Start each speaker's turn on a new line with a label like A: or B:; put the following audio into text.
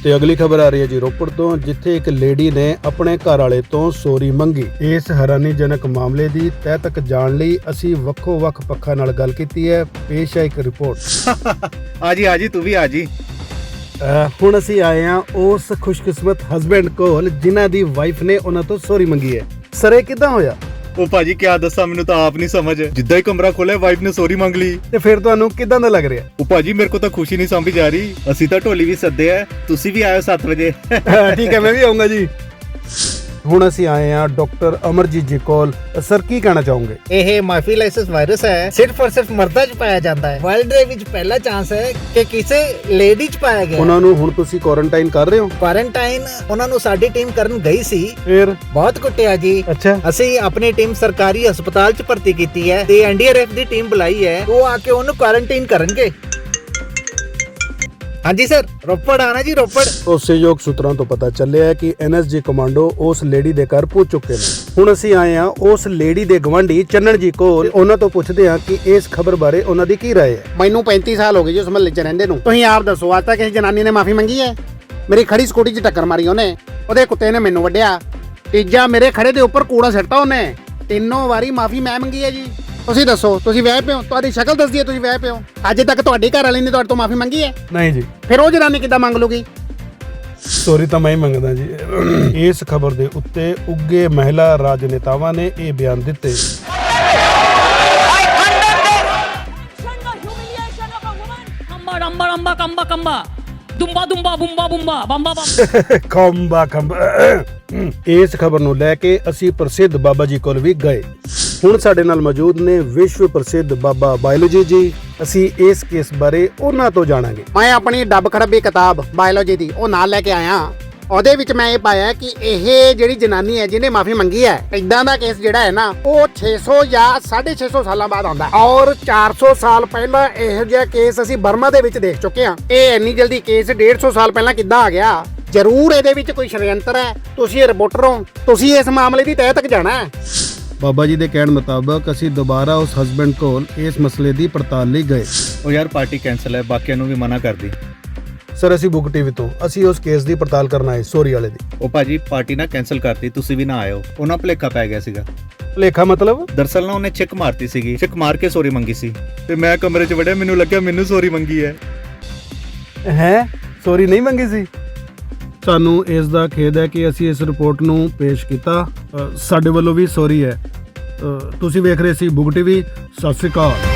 A: ਤੇ ਅਗਲੀ ਖਬਰ ਆ ਰਹੀ ਹੈ ਜੀ ਰੋਪੜ ਤੋਂ, ਜਿੱਥੇ ਇੱਕ ਲੇਡੀ ਨੇ ਆਪਣੇ ਘਰ ਵਾਲੇ ਤੋਂ ਸੌਰੀ ਮੰਗੀ। ਇਸ ਹੈਰਾਨੀਜਨਕ ਮਾਮਲੇ ਦੀ ਤਹਿ ਤੱਕ ਜਾਣ ਲਈ ਅਸੀਂ ਵੱਖੋ-ਵੱਖ ਪੱਖਾਂ ਨਾਲ ਗੱਲ ਕੀਤੀ ਹੈ। ਪੇਸ਼ ਹੈ ਇੱਕ ਰਿਪੋਰਟ।
B: ਆ ਜੀ ਤੂੰ ਵੀ ਆ ਜੀ।
A: ਹੁਣ ਅਸੀਂ ਆਏ ਹਾਂ ਉਸ ਖੁਸ਼ਕਿਸਮਤ ਹਸਬੈਂਡ ਕੋਲ ਜਿਨ੍ਹਾਂ ਦੀ ਵਾਈਫ ਨੇ ਉਹਨਾਂ ਤੋਂ ਸੌਰੀ ਮੰਗੀ ਹੈ। ਸਰ ਇਹ ਕਿੱਦਾਂ ਹੋਇਆ?
B: ਉਹ ਭਾਜੀ ਕਿਆ ਦੱਸਾਂ, ਮੈਨੂੰ ਤਾਂ ਆਪ ਨਹੀਂ ਸਮਝ। ਜਿੱਦਾਂ ਹੀ ਕਮਰਾ ਖੋਲਿਆ ਵਾਈਫ ਨੇ ਸੌਰੀ ਮੰਗ ਲਈ।
A: ਤੇ ਫਿਰ ਤੁਹਾਨੂੰ ਕਿੱਦਾਂ ਦਾ ਲੱਗ ਰਿਹਾ?
B: ਉਹ ਭਾਜੀ ਮੇਰੇ ਕੋ ਤਾਂ ਖੁਸ਼ੀ ਨਹੀਂ ਸਮਝ ਆ ਰਹੀ। ਅਸੀਂ ਤਾਂ ਢੋਲੀ ਵੀ ਸੱਦੇ ਆ, ਤੁਸੀਂ ਵੀ ਆਇਓ 7 ਵਜੇ।
A: ਠੀਕ ਹੈ, ਮੈਂ ਵੀ ਆਉਂਗਾ ਜੀ। ਹੁਣ ਅਸੀਂ ਆਏ ਹਾਂ ਡਾਕਟਰ ਅਮਰਜੀਤ ਜੀ ਕੋਲ। ਸਰ ਕੀ ਕਹਿਣਾ ਚਾਹੋਗੇ?
C: ਇਹ ਮਾਈਫਿਲਾਈਸਿਸ ਵਾਇਰਸ ਹੈ, ਸਿਰਫ ਔਰ ਸਿਰਫ ਮਰਦਾਂ 'ਚ ਪਾਇਆ ਜਾਂਦਾ ਹੈ। ਵਰਲਡ ਦੇ ਵਿੱਚ ਪਹਿਲਾ ਚਾਂਸ ਹੈ ਕਿ ਕਿਸੇ ਲੇਡੀ 'ਚ ਪਾਇਆ ਗਿਆ।
A: ਉਹਨਾਂ ਨੂੰ ਹੁਣ ਤੁਸੀਂ ਕੁਆਰੰਟਾਈਨ ਕਰ ਰਹੇ ਹੋ?
C: ਕੁਆਰੰਟਾਈਨ ਉਹਨਾਂ ਨੂੰ ਸਾਡੀ ਟੀਮ ਕਰਨ ਗਈ ਸੀ,
A: ਫਿਰ
C: ਬਹੁਤ ਕੁੱਟਿਆ ਜੀ।
A: ਅੱਛਾ,
C: ਅਸੀਂ ਆਪਣੀ ਟੀਮ ਸਰਕਾਰੀ ਹਸਪਤਾਲ 'ਚ ਭਰਤੀ ਕੀਤੀ ਹੈ ਤੇ ਐਨਡੀਆਰਐਫ ਦੀ ਟੀਮ ਬੁਲਾਈ ਹੈ, ਉਹ ਆ ਕੇ ਉਹਨੂੰ ਕੁਆਰੰਟਾਈਨ ਕਰਨਗੇ। ਹਾਂਜੀ ਸਰ, ਰੋਪੜ ਆਣਾ ਜੀ, ਰੋਪੜ।
A: ਭਰੋਸੇਯੋਗ ਸੂਤਰਾਂ ਤੋਂ ਪਤਾ ਚੱਲਿਆ ਹੈ ਕਿ ਐਨਐਸਜੀ ਕਮਾਂਡੋ ਉਸ ਲੇਡੀ ਦੇ ਘਰ ਪਹੁੰਚ ਚੁੱਕੇ ਨੇ। ਹੁਣ ਅਸੀਂ ਆਏ ਹਾਂ ਉਸ ਲੇਡੀ ਦੇ ਗਵਾਂਢੀ ਚੰਨਣ ਜੀ ਕੋਲ। ਉਹਨਾਂ ਤੋਂ ਪੁੱਛਦੇ ਹਾਂ ਕਿ ਇਸ ਖਬਰ ਬਾਰੇ ਉਹਨਾਂ ਦੀ ਕੀ ਰਾਏ ਹੈ।
D: ਮੈਨੂੰ 35 ਸਾਲ ਹੋ ਗਏ ਜੀ ਉਸ ਮਹੱਲੇ 'ਚ ਰਹਿੰਦੇ ਨੂੰ। ਤੁਸੀਂ ਆਪ ਦੱਸੋ, ਅੱਜ ਤੱਕ ਕਿਸੇ ਜਨਾਨੀ ਨੇ ਮਾਫੀ ਮੰਗੀ ਹੈ? ਮੇਰੀ ਖੜੀ ਸਕੂਟੀ 'ਚ ਟੱਕਰ ਮਾਰੀ ਉਹਨੇ, ਉਹਦੇ ਕੁੱਤੇ ਨੇ ਮੈਨੂੰ ਵੱਢਿਆ। ਤੀਜਾ ਮੇਰੇ ਖੜੇ ਦੇ ਉੱਪਰ ਕੂੜਾ ਸਿੱਟਤਾ ਉਹਨੇ। 3 ਵਾਰੀ ਮਾਫੀ ਮੈਂ ਮੰਗੀ ਹੈ ਜੀ। ਤੁਸੀਂ ਦੱਸੋ, ਤੁਸੀਂ ਵਹਿ ਪਿਓ? ਤੁਹਾਡੀ ਸ਼ਕਲ ਦੱਸਦੀ ਹੈ ਤੁਸੀਂ ਵਹਿ ਪਿਓ। ਅੱਜ ਤੱਕ ਤੁਹਾਡੀ ਘਰ ਵਾਲੀ ਨੇ ਤੁਹਾਡੇ ਤੋਂ ਮਾਫੀ ਮੰਗੀ ਹੈ?
A: ਨਹੀਂ ਜੀ।
D: ਫਿਰ ਉਹ ਜਨਾਨੀ ਕਿੱਦਾਂ ਮੰਗ ਲੂਗੀ?
A: ਸੌਰੀ ਤਾਂ ਮੈਂ ਹੀ ਮੰਗਦਾ ਜੀ। ਇਸ ਖਬਰ ਦੇ ਉੱਤੇ ਉੱਗੇ ਮਹਿਲਾ ਰਾਜਨੇਤਾਵਾਂ ਨੇ ਇਹ ਬਿਆਨ ਦਿੱਤੇ। ਇਸ ਖਬਰ ਨੂੰ ਲੈ ਕੇ ਅਸੀਂ ਪ੍ਰਸਿੱਧ ਬਾਬਾ ਜੀ ਕੋਲ ਵੀ ਗਏ। ਹੁਣ ਸਾਡੇ ਨਾਲ ਮੌਜੂਦ ਨੇ ਵਿਸ਼ਵ ਪ੍ਰਸਿੱਧ ਬਾਬਾ ਬਾਇਓਲੋਜੀ ਜੀ। ਅਸੀਂ ਇਸ ਕੇਸ ਬਾਰੇ ਉਹਨਾਂ ਤੋਂ ਜਾਣਾਂਗੇ।
D: ਮੈਂ ਆਪਣੀ ਡੱਬ ਖੜੱਬੀ ਕਿਤਾਬ ਬਾਇਓਲੋਜੀ ਦੀ ਉਹ ਨਾਲ ਲੈ ਕੇ ਆਇਆ। ਉਹਦੇ ਵਿੱਚ ਮੈਂ ਇਹ ਪਾਇਆ ਕਿ ਇਹ ਜਿਹੜੀ ਜਨਾਨੀ ਹੈ ਜਿਹਨੇ ਮਾਫੀ ਮੰਗੀ ਹੈ, ਇਦਾਂ ਦਾ ਕੇਸ ਜਿਹੜਾ ਹੈ ਨਾ ਉਹ 600 ਜਾਂ 650 ਸਾਲਾਂ ਬਾਅਦ ਆਉਂਦਾ। ਔਰ 400 ਸਾਲ ਪਹਿਲਾਂ ਇਹੋ ਜਿਹਾ ਕੇਸ ਅਸੀਂ ਬਰਮਾ ਦੇ ਵਿੱਚ ਦੇਖ ਚੁੱਕੇ ਹਾਂ। ਇਹ ਇੰਨੀ ਜਲਦੀ ਕੇਸ 150 ਸਾਲ ਪਹਿਲਾਂ ਕਿੱਦਾਂ ਆ ਗਿਆ? ਜ਼ਰੂਰ ਇਹਦੇ ਵਿੱਚ ਕੋਈ ਸ਼ੜਯੰਤਰ ਹੈ। ਤੁਸੀਂ ਰਿਪੋਰਟਰ ਹੋ, ਤੁਸੀਂ ਇਸ ਮਾਮਲੇ ਦੀ ਤਹਿ ਤੱਕ ਜਾਣਾ ਹੈ।
A: ਬਾਬਾ ਜੀ ਦੇ ਕਹਿਣ ਮੁਤਾਬਕ ਅਸੀਂ ਦੁਬਾਰਾ ਉਸ ਹਸਬੈਂਡ ਕੋਲ ਇਸ ਮਸਲੇ ਦੀ ਪੜਤਾਲ ਲਈ ਗਏ।
B: ਉਹ ਯਾਰ ਪਾਰਟੀ ਕੈਂਸਲ ਹੈ, ਬਾਕੀਆਂ ਨੂੰ ਵੀ ਮਨਾ ਕਰਦੀ।
A: ਸਰ ਅਸੀਂ ਬੁੱਕ ਟੀਵੀ ਤੋਂ ਅਸੀਂ ਉਸ ਕੇਸ ਦੀ ਪੜਤਾਲ ਕਰਨ ਆਏ, ਸੌਰੀ ਵਾਲੇ ਦੀ।
B: ਉਹ ਭਾਜੀ ਪਾਰਟੀ ਨਾ ਕੈਂਸਲ ਕਰਤੀ, ਤੁਸੀਂ ਵੀ ਨਾ ਆਇਓ। ਉਹਨਾਂ ਭੁਲੇਖਾ ਪੈ ਗਿਆ ਸੀਗਾ।
A: ਭੁਲੇਖਾ ਮਤਲਬ?
B: ਦਰਅਸਲ ਨਾ ਉਹਨੇ ਚਿੱਕ ਮਾਰਤੀ ਸੀਗੀ, ਚਿੱਕ ਮਾਰ ਕੇ ਸੌਰੀ ਮੰਗੀ ਸੀ ਤੇ ਮੈਂ ਕਮਰੇ 'ਚ ਵੜਿਆ, ਮੈਨੂੰ ਲੱਗਿਆ ਮੈਨੂੰ ਸੌਰੀ ਮੰਗੀ ਹੈ।
A: ਸੌਰੀ ਨਹੀਂ ਮੰਗੀ ਸੀ? ਸਾਨੂੰ ਇਸ ਦਾ ਖੇਦ ਹੈ ਕਿ ਅਸੀਂ ਇਸ ਰਿਪੋਰਟ ਨੂੰ ਪੇਸ਼ ਕੀਤਾ। ਸਾਡੇ ਵੱਲੋਂ ਵੀ ਸੌਰੀ ਹੈ। ਤੁਸੀਂ ਵੇਖ ਰਹੇ ਸੀ ਬੁੱਕ ਟੀਵੀ। ਸਤਿ ਸ਼੍ਰੀ ਅਕਾਲ।